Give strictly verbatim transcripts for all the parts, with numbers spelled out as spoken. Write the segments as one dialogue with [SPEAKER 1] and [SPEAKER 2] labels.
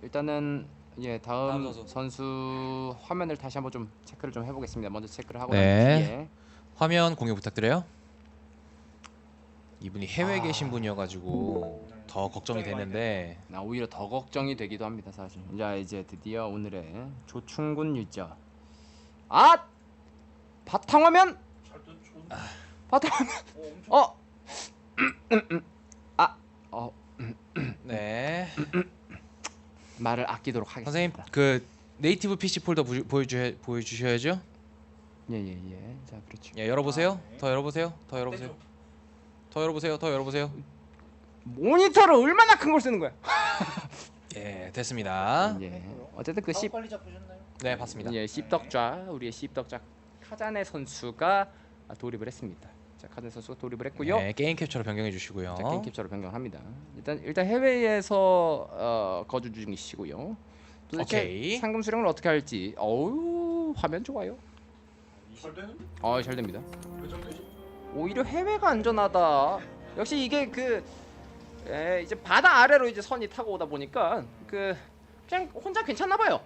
[SPEAKER 1] 일단은 예 다음,
[SPEAKER 2] 다음 선수.
[SPEAKER 1] 선수 화면을 다시 한번 좀 체크를 좀 해보겠습니다. 먼저 체크를 하고
[SPEAKER 2] 네.
[SPEAKER 1] 난 뒤에
[SPEAKER 2] 화면 공유 부탁드려요. 이분이 해외에
[SPEAKER 1] 아.
[SPEAKER 2] 계신 분이어가지고 더 걱정이 되는데
[SPEAKER 1] 나 오히려 더 걱정이 되기도 합니다 사실. 자 이제 드디어 오늘의 조충곤 유저. 아 바탕화면 바탕화면 어 아 어
[SPEAKER 2] 네
[SPEAKER 1] 말을 아끼도록 하겠습니다.
[SPEAKER 2] 선생님 그 네이티브 피씨 폴더 부, 보여주 보여주셔야죠.
[SPEAKER 1] 예예예. 자 그렇죠.
[SPEAKER 2] 예 열어보세요. 더 열어보세요. 더 열어보세요. 더 열어보세요. 더 열어보세요.
[SPEAKER 1] 모니터를 얼마나 큰 걸 쓰는 거야?
[SPEAKER 2] 예 됐습니다.
[SPEAKER 1] 예. 어쨌든 그 씹,
[SPEAKER 3] 빨리 잡으셨나요?
[SPEAKER 2] 네 봤습니다.
[SPEAKER 1] 예, 씹덕좌 우리의 씹덕좌 카자네 선수가 돌입을 했습니다. 자 카자네 선수가 돌입을 했고요.
[SPEAKER 2] 네 게임 캡처로 변경해 주시고요.
[SPEAKER 1] 자, 게임 캡처로 변경합니다. 일단 일단 해외에서 어, 거주 중이시고요. 도대체
[SPEAKER 2] 오케이.
[SPEAKER 1] 상금 수령을 어떻게 할지. 어우 화면 좋아요.
[SPEAKER 3] 잘 되는?
[SPEAKER 1] 어 잘 됩니다.
[SPEAKER 3] 왜 정되지?
[SPEAKER 1] 오히려 해외가 안전하다. 역시 이게 그 에, 이제 바다 아래로 이제 선이 타고 오다 보니까 그 그냥 혼자 괜찮나 봐요.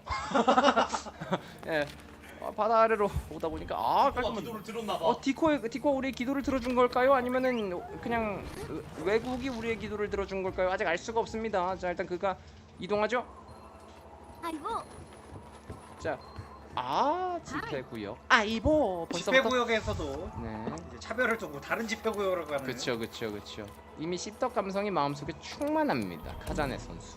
[SPEAKER 1] 예. 어, 바다 아래로 오다 보니까 아 깔끔한.
[SPEAKER 3] 기도를 들었나 봐.
[SPEAKER 1] 어 디코에 디코 우리의 기도를 들어준 걸까요? 아니면은 그냥 외국이 우리의 기도를 들어준 걸까요? 아직 알 수가 없습니다. 자 일단 그가 이동하죠.
[SPEAKER 4] 아이고,
[SPEAKER 1] 자, 아 집회구역. 아이보 벌써부터.
[SPEAKER 3] 집회구역에서도
[SPEAKER 1] 네.
[SPEAKER 3] 이제 차별을 두고 다른 집회구역으로 가는.
[SPEAKER 1] 그쵸 그쵸 그쵸. 이미 씹덕 감성이 마음속에 충만합니다. 카자네 선수.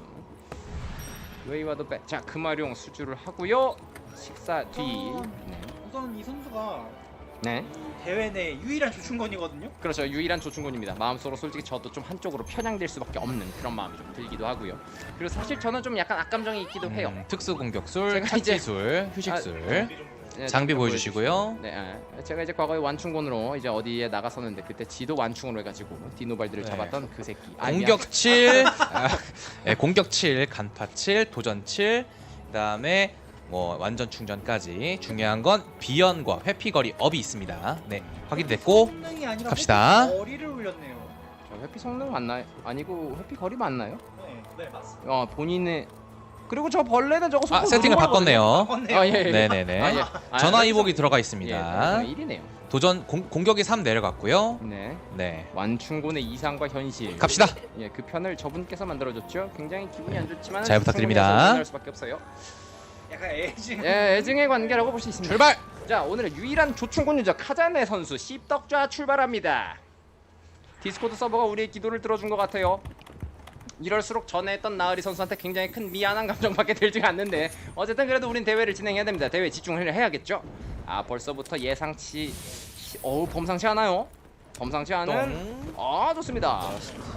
[SPEAKER 1] 웨이와도 빼. 자 금화룡 수주를 하고요. 식사 뒤. 네.
[SPEAKER 3] 우선 이 선수가
[SPEAKER 1] 네.
[SPEAKER 3] 이 대회 내 유일한 조충건이거든요.
[SPEAKER 1] 그렇죠. 유일한 조충곤입니다. 마음속으로 솔직히 저도 좀 한쪽으로 편향될 수밖에 없는 그런 마음이 좀 들기도 하고요. 그리고 사실 저는 좀 약간 악감정이 있기도 해요.
[SPEAKER 2] 음, 특수 공격술,
[SPEAKER 1] 제가 이제-
[SPEAKER 2] 착지술, 휴식술.
[SPEAKER 1] 네,
[SPEAKER 2] 장비
[SPEAKER 1] 잠깐
[SPEAKER 2] 보여주시고요.
[SPEAKER 1] 네, 예. 제가 이제 과거에 완충곤으로 이제 어디에 나갔었는데 그때 지도 완충으로 해가지고 디노발드를
[SPEAKER 2] 네.
[SPEAKER 1] 잡았던 그 새끼. 아,
[SPEAKER 2] 공격 칠, 아, 네, 공격 칠, 간파 칠, 도전 칠, 그다음에 뭐 완전 충전까지. 중요한 건 비연과 회피거리 업이 있습니다. 네 확인됐고
[SPEAKER 3] 성능이 아니라
[SPEAKER 2] 갑시다.
[SPEAKER 3] 거리를 올렸네요.
[SPEAKER 1] 자, 회피 성능 맞나요? 아니고 회피 거리 맞나요?
[SPEAKER 3] 네, 네 맞습니다.
[SPEAKER 1] 어 본인의 그리고 저 벌레는 저거
[SPEAKER 2] 아
[SPEAKER 1] 속도
[SPEAKER 2] 세팅을
[SPEAKER 1] 누른 거거든요.
[SPEAKER 2] 바꿨네요.
[SPEAKER 3] 바꿨네요.
[SPEAKER 1] 아, 예, 예.
[SPEAKER 2] 네네네.
[SPEAKER 1] 아, 예. 아,
[SPEAKER 2] 전화
[SPEAKER 1] 그래서-
[SPEAKER 2] 이복이 들어가
[SPEAKER 1] 예,
[SPEAKER 2] 있습니다.
[SPEAKER 1] 일이네요.
[SPEAKER 2] 도전 공, 공격이 삼 내려갔고요.
[SPEAKER 1] 네.
[SPEAKER 2] 네
[SPEAKER 1] 완충곤의 이상과 현실.
[SPEAKER 2] 갑시다.
[SPEAKER 1] 예, 그 편을 저분께서 만들어줬죠. 굉장히 기분이 안 좋지만
[SPEAKER 2] 잘 부탁드립니다.
[SPEAKER 1] 만날 수밖에 없어요.
[SPEAKER 3] 약간 애증.
[SPEAKER 1] 예, 애증의 관계라고 볼 수 있습니다.
[SPEAKER 2] 출발.
[SPEAKER 1] 자, 오늘의 유일한 조충곤 유저 카자네 선수 씹덕좌 출발합니다. 디스코드 서버가 우리의 기도를 들어준 것 같아요. 이럴수록 전에 했던 나으리 선수한테 굉장히 큰 미안한 감정밖에 들지가 않는데 어쨌든 그래도 우린 대회를 진행해야 됩니다. 대회에 집중을 해야겠죠. 아 벌써부터 예상치 어우 범상치 않아요. 범상치 않은 아 좋습니다.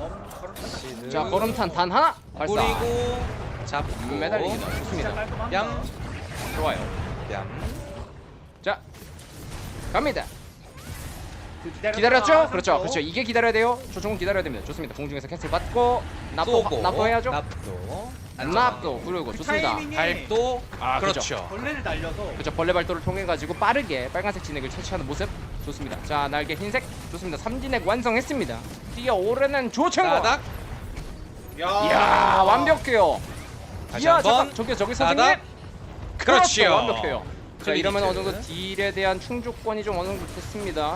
[SPEAKER 1] 자 걸음탄 단 하나 발사.
[SPEAKER 2] 뿌리고 잡고
[SPEAKER 1] 매달리기다 좋습니다.
[SPEAKER 2] 뺨
[SPEAKER 1] 좋아요.
[SPEAKER 2] 뺨.
[SPEAKER 1] 자 갑니다.
[SPEAKER 3] 기다렸다.
[SPEAKER 1] 기다렸죠? 그렇죠. 그렇죠. 이게 기다려야 돼요. 조충은 기다려야 됩니다. 좋습니다. 공중에서 캔슬 받고 납도
[SPEAKER 2] 쏘고
[SPEAKER 1] 납도 해야죠.
[SPEAKER 2] 납도
[SPEAKER 1] 납도 그리고 좋습니다.
[SPEAKER 3] 타이밍이
[SPEAKER 2] 발도
[SPEAKER 1] 아,
[SPEAKER 2] 그렇죠.
[SPEAKER 3] 벌레를 날려서
[SPEAKER 1] 그렇죠. 벌레 발도를 통해 가지고 빠르게 빨간색 진액을 채취하는 모습 좋습니다. 자 날개 흰색 좋습니다. 삼진액 완성했습니다. 뛰어오르는 조충곤.
[SPEAKER 2] 따닥
[SPEAKER 3] 야,
[SPEAKER 1] 이야 완벽해요.
[SPEAKER 2] 다시
[SPEAKER 1] 이야
[SPEAKER 2] 한번
[SPEAKER 1] 잠깐 저기 저기 선생님.
[SPEAKER 2] 따닥 그렇죠.
[SPEAKER 1] 완벽해요. 자
[SPEAKER 2] 클리니트.
[SPEAKER 1] 이러면 어느 정도 딜에 대한 충족권이 좀 어느 정도 됐습니다.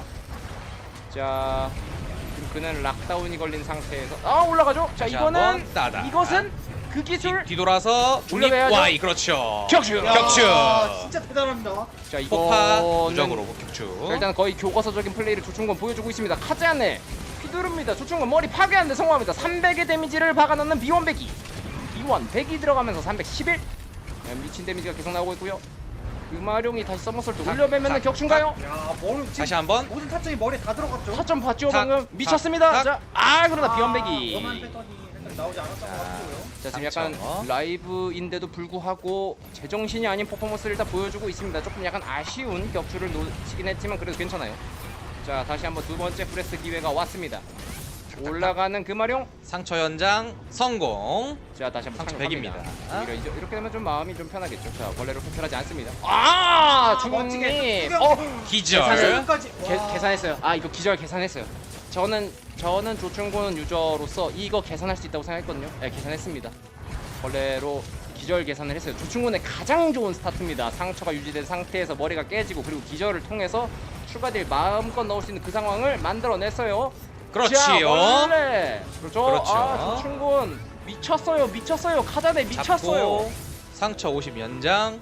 [SPEAKER 1] 자 지금 그는 락다운이 걸린 상태에서 아 올라가죠. 자
[SPEAKER 2] 다시
[SPEAKER 1] 이거는
[SPEAKER 2] 한번 따닥.
[SPEAKER 1] 이것은 그 기술
[SPEAKER 2] 뒤, 뒤돌아서 중립
[SPEAKER 1] 올려가야죠.
[SPEAKER 2] Y 그렇죠.
[SPEAKER 1] 격추.
[SPEAKER 3] 야,
[SPEAKER 2] 격추.
[SPEAKER 3] 진짜 대단합니다.
[SPEAKER 1] 자
[SPEAKER 2] 폭파
[SPEAKER 1] 이거는
[SPEAKER 2] 무적으로 격추.
[SPEAKER 1] 자, 일단 거의 교과서적인 플레이를 조충곤 보여주고 있습니다. 카자네 휘두릅니다. 조충곤 머리 파괴하는데 성공합니다. 삼백의 데미지를 박아넣는 비원 백이 비원 백이 들어가면서 삼백십일 네, 미친 데미지가 계속 나오고 있고요. 금화룡이 다시 서머설트 올려매면 격추인가요?
[SPEAKER 3] 야, 머리 지금
[SPEAKER 2] 다시 한번
[SPEAKER 3] 모든 타점이 머리에 다 들어갔죠.
[SPEAKER 1] 타점 봤죠
[SPEAKER 2] 탁,
[SPEAKER 1] 방금?
[SPEAKER 2] 탁,
[SPEAKER 1] 미쳤습니다.
[SPEAKER 2] 탁.
[SPEAKER 1] 자, 아 그러나 비원
[SPEAKER 3] 원한
[SPEAKER 1] 백이
[SPEAKER 3] 패턴이 살짝 나오지 않았던 것 같고요.
[SPEAKER 1] 자 지금 약간
[SPEAKER 2] 상처.
[SPEAKER 1] 라이브인데도 불구하고 제정신이 아닌 퍼포먼스를 일단 보여주고 있습니다. 조금 약간 아쉬운 격추를 놓치긴 했지만 그래도 괜찮아요. 자 다시 한번 두 번째 프레스 기회가 왔습니다. 올라가는 금화룡.
[SPEAKER 2] 상처 연장 성공.
[SPEAKER 1] 자 다시 한번
[SPEAKER 2] 상처
[SPEAKER 1] 착륙합니다.
[SPEAKER 2] 백입니다.
[SPEAKER 1] 오히려 이제 이렇게 되면 좀 마음이 좀 편하겠죠. 자 벌레로 표현하지 않습니다. 아
[SPEAKER 3] 멋지게
[SPEAKER 1] 중님. 어
[SPEAKER 2] 기절.
[SPEAKER 1] 계산을-
[SPEAKER 3] 까지
[SPEAKER 1] 계, 계산했어요. 아 이거 기절 계산했어요. 저는 저는 조충곤 유저로서 이거 계산할 수 있다고 생각했거든요. 네, 계산했습니다. 벌레로 기절 계산을 했어요. 조충곤의 가장 좋은 스타트입니다. 상처가 유지된 상태에서 머리가 깨지고 그리고 기절을 통해서 추가 딜 마음껏 넣을 수 있는 그 상황을 만들어냈어요.
[SPEAKER 2] 그렇지요.
[SPEAKER 1] 자, 원래 그렇죠.
[SPEAKER 2] 그렇죠.
[SPEAKER 1] 아, 조충곤 미쳤어요. 미쳤어요. 카자네 미쳤어요.
[SPEAKER 2] 잡고 상처 오십 연장.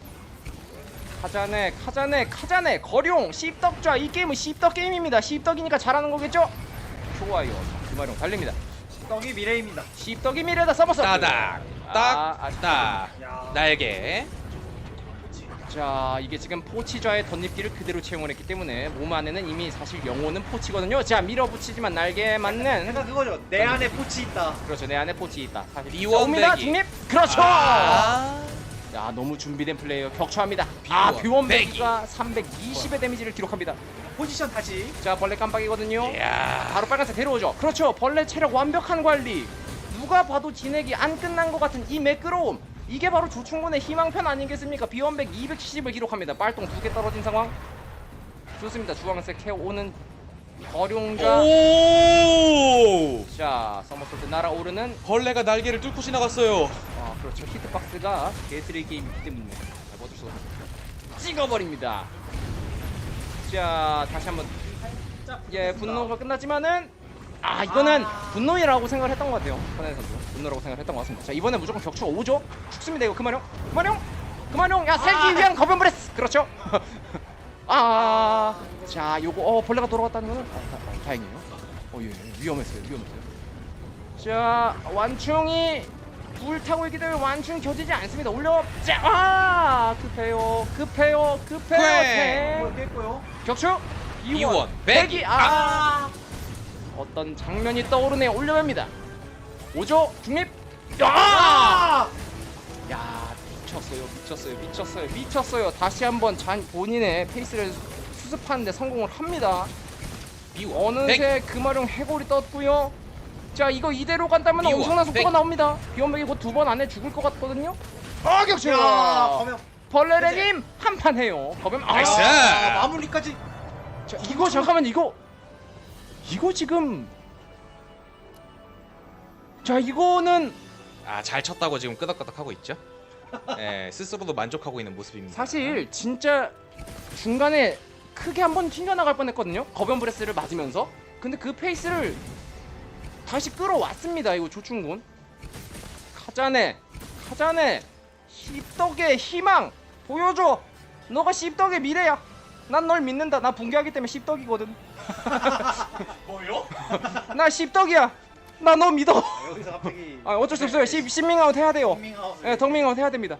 [SPEAKER 1] 카자네 카자네 카자네 거룡 씹덕좌. 이 게임은 씹덕 게임입니다. 씹덕이니까 잘하는 거겠죠? 좋아요. 자, 금화룡 달립니다.
[SPEAKER 3] 떡이 미래입니다.
[SPEAKER 1] 씹덕이 미래다. 서버서
[SPEAKER 2] 따닥
[SPEAKER 1] 아, 아,
[SPEAKER 2] 딱딱
[SPEAKER 3] 야.
[SPEAKER 2] 날개.
[SPEAKER 1] 자, 이게 지금 포치좌의 덧립기를 그대로 채용을 했기 때문에 몸 안에는 이미 사실 영혼은 포치거든요. 자, 밀어붙이지만 날개에 맞는
[SPEAKER 3] 생각 그거죠. 내 안에 포치 있다.
[SPEAKER 1] 그렇죠. 내 안에 포치 있다. 사실
[SPEAKER 2] 비원
[SPEAKER 1] 옵니다.
[SPEAKER 2] 배기.
[SPEAKER 1] 중립. 그렇죠.
[SPEAKER 2] 아,
[SPEAKER 1] 야, 너무 준비된 플레이어 격추합니다. 아,
[SPEAKER 2] 비원
[SPEAKER 1] 비원
[SPEAKER 2] 배기.
[SPEAKER 1] 배기가 삼백이십의 데미지를 기록합니다.
[SPEAKER 3] 포지션 다시.
[SPEAKER 1] 자, 벌레 깜빡이거든요.
[SPEAKER 2] 이야.
[SPEAKER 1] 바로 빨간색 데려오죠. 그렇죠. 벌레 체력 완벽한 관리. 누가 봐도 진액이 안 끝난 것 같은 이 매끄러움. 이게 바로 조충곤의 희망편 아니겠습니까? 비원백 이백칠십을 기록합니다. 빨동 두 개 떨어진 상황. 좋습니다. 주황색 해오는 거룡자.
[SPEAKER 2] 오!
[SPEAKER 1] 자, 서머솔트 날아오르는.
[SPEAKER 2] 벌레가 날개를 뚫고 지나갔어요.
[SPEAKER 1] 아, 그렇죠. 히트박스가 개쓰레 게임이기 때문에 어쩔 수 없어. 찍어버립니다. 자, 다시 한번. 예, 분노가 끝났지만은 아, 이거는 분노이라고 생각을 했던 것 같아요. 선행 선수 분노라고 생각을 했던 것 같습니다. 자, 이번에 무조건 격추가 오죠. 죽습니다. 이거 그만용, 그만용, 그만용. 야, 살기 위한 거변 브레스. 그렇죠. 아, 자, 요거 어 벌레가 돌아갔다는 거는 아, 다, 아, 다행이에요. 어, 예, 예, 위험했어요, 위험했어요. 자, 완충이 불타고 있기 때문에 완충이 겨지지 않습니다. 올려. 자, 아, 급해요, 급해요, 급해요.
[SPEAKER 2] 꽤.
[SPEAKER 3] 뭘 깼고요.
[SPEAKER 1] 격추.
[SPEAKER 2] 이원
[SPEAKER 1] 배기.
[SPEAKER 2] 배기.
[SPEAKER 1] 아. 어떤 장면이 떠오르네요. 올려봅니다. 오죠. 중립. 야!
[SPEAKER 3] 아!
[SPEAKER 1] 야, 미쳤어요. 미쳤어요. 미쳤어요. 미쳤어요. 다시 한번 잔 본인의 페이스를 수습하는데 성공을 합니다.
[SPEAKER 2] 비원
[SPEAKER 1] 어느새 금화룡 해골이 떴고요. 자, 이거 이대로 간다면
[SPEAKER 2] 비원
[SPEAKER 1] 엄청난 속도가
[SPEAKER 2] 백.
[SPEAKER 1] 나옵니다. 비원백이 곧 두 번 안에 죽을 것 같거든요. 아, 격추.
[SPEAKER 3] 야, 거면
[SPEAKER 1] 벌레레님 한 판 해요. 거면 아,
[SPEAKER 2] 나이스.
[SPEAKER 3] 아, 마무리까지.
[SPEAKER 1] 자, 이거 잠깐만 이거 이거 지금 자 이거는
[SPEAKER 2] 아, 잘 쳤다고 지금 끄덕끄덕 하고 있죠. 예, 스스로도 만족하고 있는 모습입니다.
[SPEAKER 1] 사실 진짜 중간에 크게 한번 튕겨나갈 뻔했거든요. 거변 브레스를 맞으면서. 근데 그 페이스를 다시 끌어왔습니다. 이거 조충곤. 카자네, 카자네, 씹덕의 희망 보여줘. 너가 씹덕의 미래야. 난 널 믿는다. 나 붕괴하기 때문에 씹덕이거든.
[SPEAKER 3] 뭐요?
[SPEAKER 1] 나 씹덕이야. 나 너 믿어.
[SPEAKER 3] 여기서 갑자기.
[SPEAKER 1] 아, 어쩔 수 없어요. 십 싱밍아웃 해야 돼요.
[SPEAKER 3] 밍아웃.
[SPEAKER 1] 예, 덕밍아웃 해야 됩니다.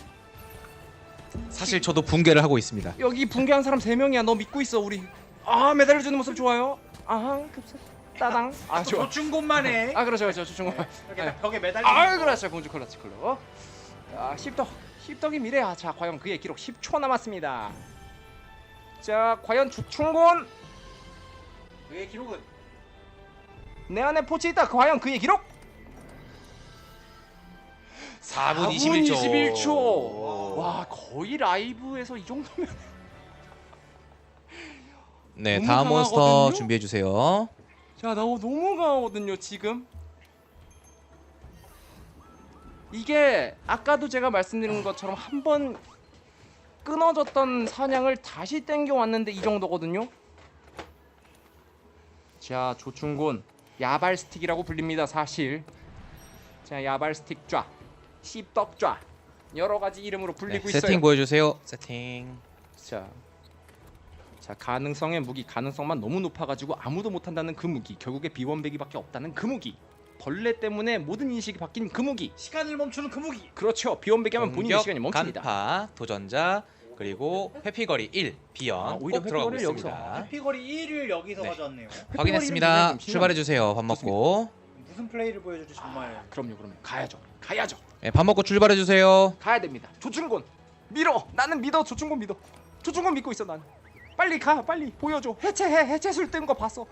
[SPEAKER 2] 사실 저도 붕괴를 하고 있습니다.
[SPEAKER 1] 여기 붕괴한 사람 세 명이야. 너 믿고 있어 우리. 아, 메달을 주는 모습 좋아요. 아항 급사 따당. 아, 좋아.
[SPEAKER 3] 조충곤만에.
[SPEAKER 1] 아, 그렇죠, 그렇죠. 조충곤.
[SPEAKER 3] 이렇게
[SPEAKER 1] 네.
[SPEAKER 3] 벽에 매달리는.
[SPEAKER 1] 아,
[SPEAKER 3] 거.
[SPEAKER 1] 그렇죠. 공주 컬러치 컬러. 아, 십덕. 십덕이 미래야. 자, 과연 그의 기록 십 초 남았습니다. 자, 과연 조충곤
[SPEAKER 3] 그의 기록은
[SPEAKER 1] 내 안에 포치 있다. 과연 그의 기록?
[SPEAKER 2] 사 분 이십일 초.
[SPEAKER 1] 이십일 초. 와, 거의 라이브에서 이 정도면.
[SPEAKER 2] 네,
[SPEAKER 1] 너무
[SPEAKER 2] 다음 몬스터
[SPEAKER 1] 강하거든요?
[SPEAKER 2] 준비해 주세요.
[SPEAKER 1] 자, 나 너무 강하거든요 지금. 이게 아까도 제가 말씀드린 것처럼 한 번 끊어졌던 사냥을 다시 땡겨 왔는데 이 정도거든요. 자, 조충곤 야발 스틱이라고 불립니다 사실. 자, 야발 스틱 좌, 씹덕 좌 여러 가지 이름으로
[SPEAKER 2] 네,
[SPEAKER 1] 불리고 있어요.
[SPEAKER 2] 세팅 보여주세요. 세팅.
[SPEAKER 1] 자, 자 가능성의 무기, 가능성만 너무 높아가지고 아무도 못한다는 그 무기, 결국에 비원배기밖에 없다는 그 무기, 벌레 때문에 모든 인식이 바뀐 그 무기.
[SPEAKER 3] 시간을 멈추는 그 무기.
[SPEAKER 1] 그렇죠. 비원배기 하면 본인의
[SPEAKER 2] 공격,
[SPEAKER 1] 시간이 멈춥니다.
[SPEAKER 2] 간파, 도전자, 그리고 회피거리 일, 비연
[SPEAKER 1] 아, 오히려
[SPEAKER 2] 꼭 들어가고
[SPEAKER 1] 회피거리를
[SPEAKER 2] 있습니다.
[SPEAKER 3] 피거리 일을 여기서
[SPEAKER 2] 네.
[SPEAKER 3] 가져왔네요.
[SPEAKER 2] 확인했습니다. 출발해 주세요. 밥
[SPEAKER 1] 좋습니다.
[SPEAKER 2] 먹고.
[SPEAKER 3] 무슨 플레이를 보여줄지 정말.
[SPEAKER 1] 그럼요, 그럼요. 가야죠, 가야죠,
[SPEAKER 2] 네, 밥 먹고 출발해 주세요.
[SPEAKER 1] 가야 됩니다. 조충곤 밀어. 나는 믿어. 조충곤 믿어. 조충곤 믿고 있어 난. 빨리 가, 빨리 보여줘. 해체해. 해체술 뜬 거 봤어.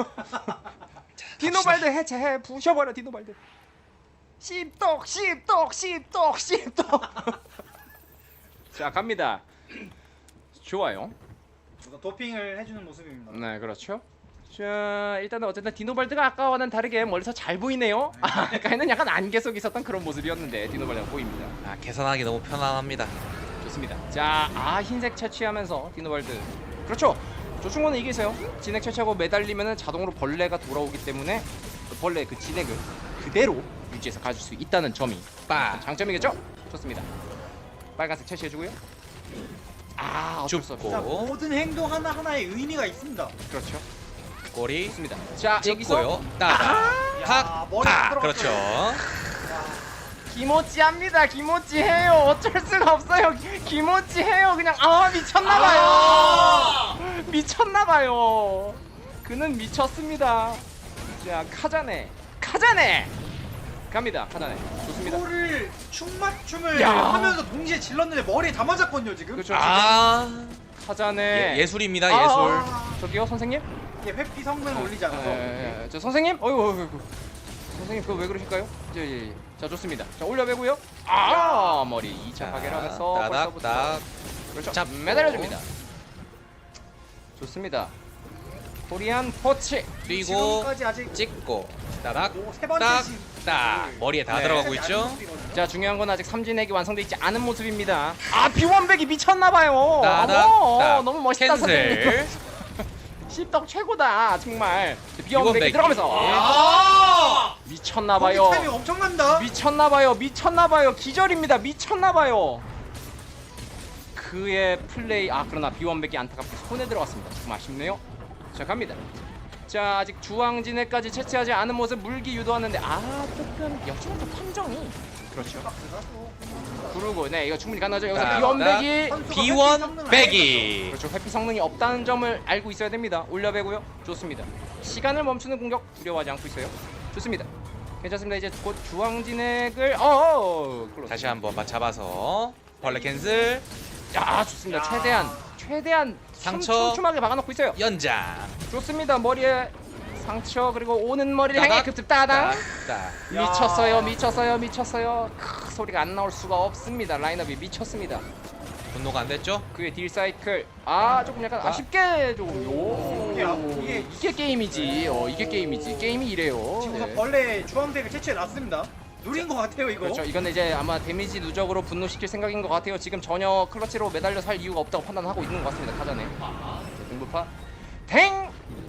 [SPEAKER 1] 디노발드 해체해. 부셔버려 디노발드. 씹떡, 씹떡, 씹떡, 씹떡. 자, 갑니다. 좋아요.
[SPEAKER 3] 누가 도핑을 해주는 모습입니다.
[SPEAKER 1] 네, 그렇죠. 자 일단은 어쨌든 디노발드가 아까와는 다르게 멀리서 잘 보이네요. 아, 아까는 약간 안개 속에 있었던 그런 모습이었는데 디노발드가 보입니다.
[SPEAKER 2] 아, 계산하기 너무 편안합니다.
[SPEAKER 1] 좋습니다. 자, 아 흰색 채취하면서 디노발드. 그렇죠. 조충곤은 이게 있어요. 진액 채취하고 매달리면은 자동으로 벌레가 돌아오기 때문에 그 벌레 그 진액을 그대로 유지해서 가질 수 있다는 점이
[SPEAKER 2] 빠.
[SPEAKER 1] 장점이겠죠? 좋습니다. 빨간색 채취해주고요. 아 어쩔 수 없어.
[SPEAKER 3] 자,
[SPEAKER 2] 줍고
[SPEAKER 3] 모든 행동 하나 하나에 의미가 있습니다.
[SPEAKER 1] 그렇죠.
[SPEAKER 2] 꼬리
[SPEAKER 1] 좋습니다. 자 여기서
[SPEAKER 2] 찍고요. 따닥.
[SPEAKER 3] 야,
[SPEAKER 2] 탁.
[SPEAKER 3] 머리 다
[SPEAKER 2] 탁. 그렇죠.
[SPEAKER 1] 기모찌합니다. 기모찌해요. 어쩔 수가 없어요. 기모찌해요. 그냥 아 미쳤나봐요. 미쳤나봐요. 그는 미쳤습니다. 자 카자네, 카자네 갑니다. 카자네 좋습니다.
[SPEAKER 3] 이거를 충맞춤을
[SPEAKER 1] 야.
[SPEAKER 3] 하면서 동시에 질렀는데 머리에 다 맞았거든요 지금.
[SPEAKER 1] 그렇죠.
[SPEAKER 2] 아.
[SPEAKER 1] 카자네
[SPEAKER 2] 예, 예술입니다.
[SPEAKER 1] 아,
[SPEAKER 2] 예술.
[SPEAKER 1] 아, 저기요 선생님.
[SPEAKER 3] 이게 회피 성능 올리지 않아서.
[SPEAKER 1] 예, 저 선생님. 어이구, 어이구, 어이구. 선생님 그거 왜 그러실까요? 예, 예, 예. 자 좋습니다. 자 올려배고요. 아 머리 이 차 파괴를 하면서
[SPEAKER 2] 따닥
[SPEAKER 1] 벌써부터
[SPEAKER 2] 딱.
[SPEAKER 1] 그렇죠.
[SPEAKER 2] 잡고.
[SPEAKER 1] 매달려줍니다. 좋습니다. 코리안 포치.
[SPEAKER 2] 뛰고
[SPEAKER 3] 지금까지 아직
[SPEAKER 2] 찍고 따닥.
[SPEAKER 3] 오, 세 번째
[SPEAKER 2] 딱.
[SPEAKER 3] 신.
[SPEAKER 2] 딱. 머리에 다
[SPEAKER 1] 네.
[SPEAKER 2] 들어가고
[SPEAKER 3] 아직
[SPEAKER 2] 있죠.
[SPEAKER 3] 안 모습이거든요.
[SPEAKER 1] 자 중요한 건 아직 삼진액이 완성돼 있지 않은 모습입니다. 아 비원백이 미쳤나봐요.
[SPEAKER 2] 따닥.
[SPEAKER 1] 어머,
[SPEAKER 2] 딱.
[SPEAKER 1] 너무 멋있다 선생님.
[SPEAKER 2] 캔슬.
[SPEAKER 1] 십덕 최고다 정말. 비원백이
[SPEAKER 2] 비원백이.
[SPEAKER 1] 들어가면서
[SPEAKER 3] 아!
[SPEAKER 1] 미쳤나봐요.
[SPEAKER 3] 거기 타이밍 엄청난다.
[SPEAKER 1] 미쳤나봐요. 미쳤나봐요. 기절입니다. 미쳤나봐요. 그의 플레이. 아 그러나 비원백이 안타깝게 손에 들어갔습니다. 조금 아쉽네요. 자 갑니다. 자 아직 주황진해까지 채취하지 않은 모습 물기 유도하는데 아 조금 역시나 좀 판정이 그렇죠. 그러고 네 이거 충분히 가능하죠. 여기서
[SPEAKER 2] 딱,
[SPEAKER 1] 비원백이
[SPEAKER 3] 선수가
[SPEAKER 2] 비원
[SPEAKER 3] 회피 성능을
[SPEAKER 2] 빼기.
[SPEAKER 1] 그렇죠. 회피 성능이 없다는 점을 알고 있어야 됩니다. 올려배고요. 좋습니다. 시간을 멈추는 공격 두려워하지 않고 있어요. 좋습니다. 괜찮습니다. 이제 곧 주황진액을 어
[SPEAKER 2] 다시 한번 맞 잡아서 벌레 캔슬.
[SPEAKER 1] 야 좋습니다. 최대한 최대한
[SPEAKER 2] 상처.
[SPEAKER 1] 촘촘하게 막아놓고 있어요.
[SPEAKER 2] 연장.
[SPEAKER 1] 좋습니다. 머리에 상처 그리고 오는 머리를 향해
[SPEAKER 2] 따닥.
[SPEAKER 1] 급습 따당.
[SPEAKER 2] 딱.
[SPEAKER 3] 야.
[SPEAKER 1] 미쳤어요. 미쳤어요. 미쳤어요. 크, 소리가 안 나올 수가 없습니다. 라인업이 미쳤습니다.
[SPEAKER 2] 분노가 안 됐죠?
[SPEAKER 1] 그의 딜 사이클 아 조금 약간
[SPEAKER 2] 아.
[SPEAKER 1] 아쉽게 조금 요
[SPEAKER 3] 이게 아- 이게-
[SPEAKER 1] 이게 게임이지. 어 이게 게임이지. 게임이 이래요.
[SPEAKER 3] 지금
[SPEAKER 1] 네.
[SPEAKER 3] 벌레 주황색을 채취해 놨습니다. 누린 것 같아요 이거.
[SPEAKER 1] 그렇죠. 이거는 이제 아마 데미지 누적으로 분노시킬 생각인 것 같아요. 지금 전혀 클러치로 매달려서 할 이유가 없다고 판단하고 있는 것 같습니다. 카자네. 자, 등부파. 탱.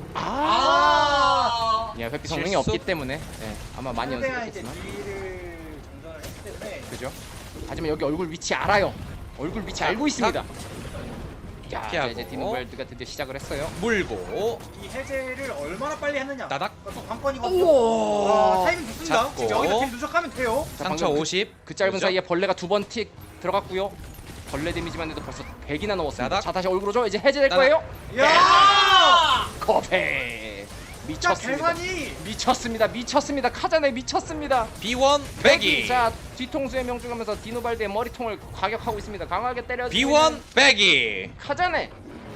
[SPEAKER 1] 아. 야 회피 성능이
[SPEAKER 2] 실수?
[SPEAKER 1] 없기 때문에 네, 아마 많이
[SPEAKER 3] 상대가 이제
[SPEAKER 1] 연습했겠지만.
[SPEAKER 3] 딜을 전전을 했기 때문에
[SPEAKER 1] 그죠? 하지만 여기 얼굴 위치 알아요. 얼굴 위치 알고 있습니다. 야, 자,
[SPEAKER 2] 피하고.
[SPEAKER 1] 이제 디노발드가 드디어 시작을 했어요.
[SPEAKER 2] 물고
[SPEAKER 3] 이 해제를 얼마나 빨리 했느냐.
[SPEAKER 2] 따닥.
[SPEAKER 3] 또 관건이거든요.
[SPEAKER 1] 우와.
[SPEAKER 3] 아, 타이밍 좋습니다.
[SPEAKER 2] 잡고.
[SPEAKER 3] 지금 여기서 딜 누적하면 돼요.
[SPEAKER 1] 자,
[SPEAKER 2] 상처
[SPEAKER 1] 방금 그-
[SPEAKER 2] 오십.
[SPEAKER 1] 그 짧은
[SPEAKER 2] 그죠?
[SPEAKER 1] 사이에 벌레가 두 번 틱 들어갔고요. 벌레 데미지만 해도 벌써 백이나 넘었습니다.
[SPEAKER 2] 따닥.
[SPEAKER 1] 자 다시 얼굴 오죠. 이제 해제될
[SPEAKER 2] 따닥.
[SPEAKER 1] 거예요.
[SPEAKER 3] 야!
[SPEAKER 1] 거페.
[SPEAKER 3] 진짜
[SPEAKER 1] 미쳤습니다.
[SPEAKER 3] 계산이
[SPEAKER 1] 미쳤습니다. 미쳤습니다. 카자네 미쳤습니다.
[SPEAKER 2] 비원 빼기.
[SPEAKER 1] 자 뒤통수에 명중하면서 디노발드의 머리통을 과격하고 있습니다. 강하게 때려.
[SPEAKER 2] 비원 빼기.
[SPEAKER 1] 카자네.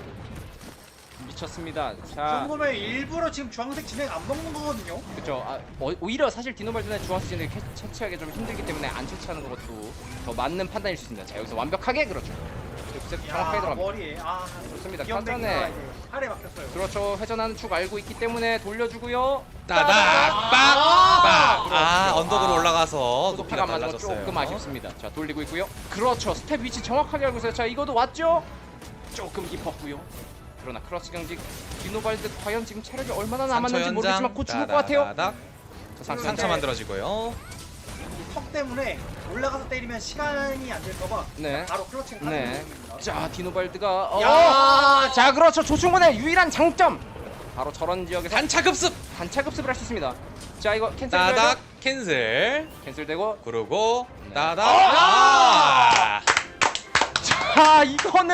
[SPEAKER 1] 미쳤습니다.
[SPEAKER 3] 이
[SPEAKER 1] 자
[SPEAKER 3] 정도면 일부러 지금 주황색 진행 안 먹는 거거든요.
[SPEAKER 1] 그렇죠. 아, 어, 오히려 사실 디노발드는 주황수진을 채취하기 좀 힘들기 때문에 안 채취하는 것도 더 맞는 판단일 수 있습니다. 자 여기서 완벽하게 그렇죠. 이렇게 정확하게
[SPEAKER 3] 야,
[SPEAKER 1] 들어갑니다.
[SPEAKER 3] 머리에 아
[SPEAKER 1] 좋습니다.
[SPEAKER 3] 기억되기가
[SPEAKER 1] 카자네.
[SPEAKER 3] 이제 팔에 막혔어요.
[SPEAKER 1] 그렇죠. 회전하는 축 알고 있기 때문에 돌려주고요.
[SPEAKER 2] 따닥.
[SPEAKER 1] 아,
[SPEAKER 2] 빡. 아,
[SPEAKER 1] 그렇죠.
[SPEAKER 2] 언덕으로
[SPEAKER 1] 아,
[SPEAKER 2] 올라가서
[SPEAKER 1] 높이가
[SPEAKER 2] 높이가
[SPEAKER 1] 안 맞아서
[SPEAKER 2] 달라졌어요.
[SPEAKER 1] 조금 아쉽습니다. 자 돌리고 있고요. 그렇죠. 스텝 위치 정확하게 알고 있어요. 자 이거도 왔죠? 조금 깊었고요. 그러나 크러치 경직 디노발드 과연 지금 체력이 얼마나 남았는지 모르겠지만 곧 죽을 것 같아요.
[SPEAKER 2] 따다닥.
[SPEAKER 1] 자, 상처
[SPEAKER 2] 상처 만들어지고요.
[SPEAKER 3] 이 턱 때문에 올라가서 때리면 시간이 안 될까봐
[SPEAKER 1] 네.
[SPEAKER 3] 바로 클러칭을
[SPEAKER 1] 네.
[SPEAKER 3] 하는 중입니다.
[SPEAKER 1] 자 디노발드가 어,
[SPEAKER 3] 야!
[SPEAKER 1] 자 그렇죠. 조충곤의 유일한 장점 바로 저런 지역에서
[SPEAKER 2] 단차 급습.
[SPEAKER 1] 단차 급습을 할 수 있습니다. 자 이거 캔슬
[SPEAKER 2] 따닥 캔슬.
[SPEAKER 1] 캔슬되고
[SPEAKER 2] 그러고
[SPEAKER 1] 네.
[SPEAKER 2] 따닥.
[SPEAKER 1] 아!
[SPEAKER 2] 아!
[SPEAKER 1] 자 이거는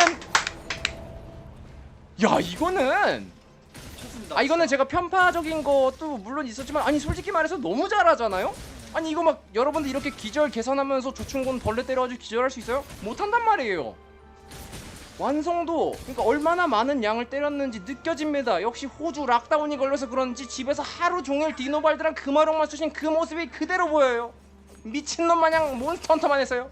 [SPEAKER 1] 야 이거는
[SPEAKER 3] 좋습니다.
[SPEAKER 1] 아 이거는 제가 편파적인 것도 물론 있었지만 아니 솔직히 말해서 너무 잘하잖아요. 아니 이거 막 여러분들 이렇게 기절 계산하면서 조충곤 벌레 때려가지고 기절할 수 있어요? 못한단 말이에요. 완성도 그러니까 얼마나 많은 양을 때렸는지 느껴집니다. 역시 호주 락다운이 걸려서 그런지 집에서 하루 종일 디노발드랑 금화룡만 쑤신 그 모습이 그대로 보여요. 미친놈 마냥 몬스터 헌터만 했어요.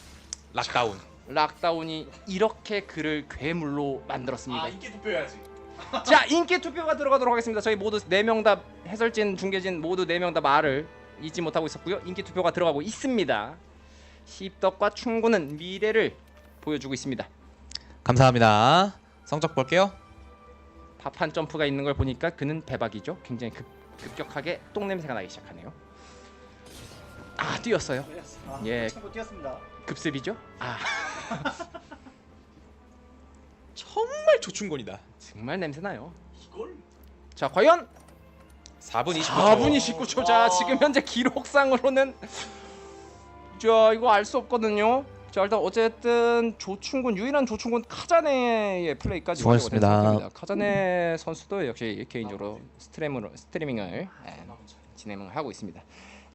[SPEAKER 2] 락다운.
[SPEAKER 1] 락다운이 이렇게 그를 괴물로 만들었습니다.
[SPEAKER 3] 아 이게 돋보여야지.
[SPEAKER 1] 자, 인기 투표가 들어가도록 하겠습니다. 저희 모두 네 명 다 해설진, 중계진 모두 네 명 다 말을 잊지 못하고 있었고요. 인기 투표가 들어가고 있습니다. 십덕과 충고는 미래를 보여주고 있습니다.
[SPEAKER 2] 감사합니다. 성적 볼게요.
[SPEAKER 1] 밥 한 점프가 있는 걸 보니까 그는 대박이죠. 굉장히 급, 급격하게 똥 냄새가 나기 시작하네요. 아, 뛰었어요.
[SPEAKER 3] 아,
[SPEAKER 1] 예.
[SPEAKER 3] 친구 뛰었습니다.
[SPEAKER 1] 급습이죠? 아,
[SPEAKER 2] 정말 조충곤이다.
[SPEAKER 1] 정말 냄새 나요.
[SPEAKER 3] 이걸?
[SPEAKER 1] 자, 과연
[SPEAKER 2] 사 분 이십구 초.
[SPEAKER 1] 사 분 이십구 초. 자, 지금 현재 기록상으로는 자, 이거 알 수 없거든요. 자, 일단 어쨌든 조충곤, 유일한 조충곤 카자네의 플레이까지
[SPEAKER 2] 수고하셨습니다.
[SPEAKER 1] 완료가 된 상태입니다. 카자네 선수도 역시 개인적으로 스트리밍으로 스트리밍을 예, 진행을 하고 있습니다.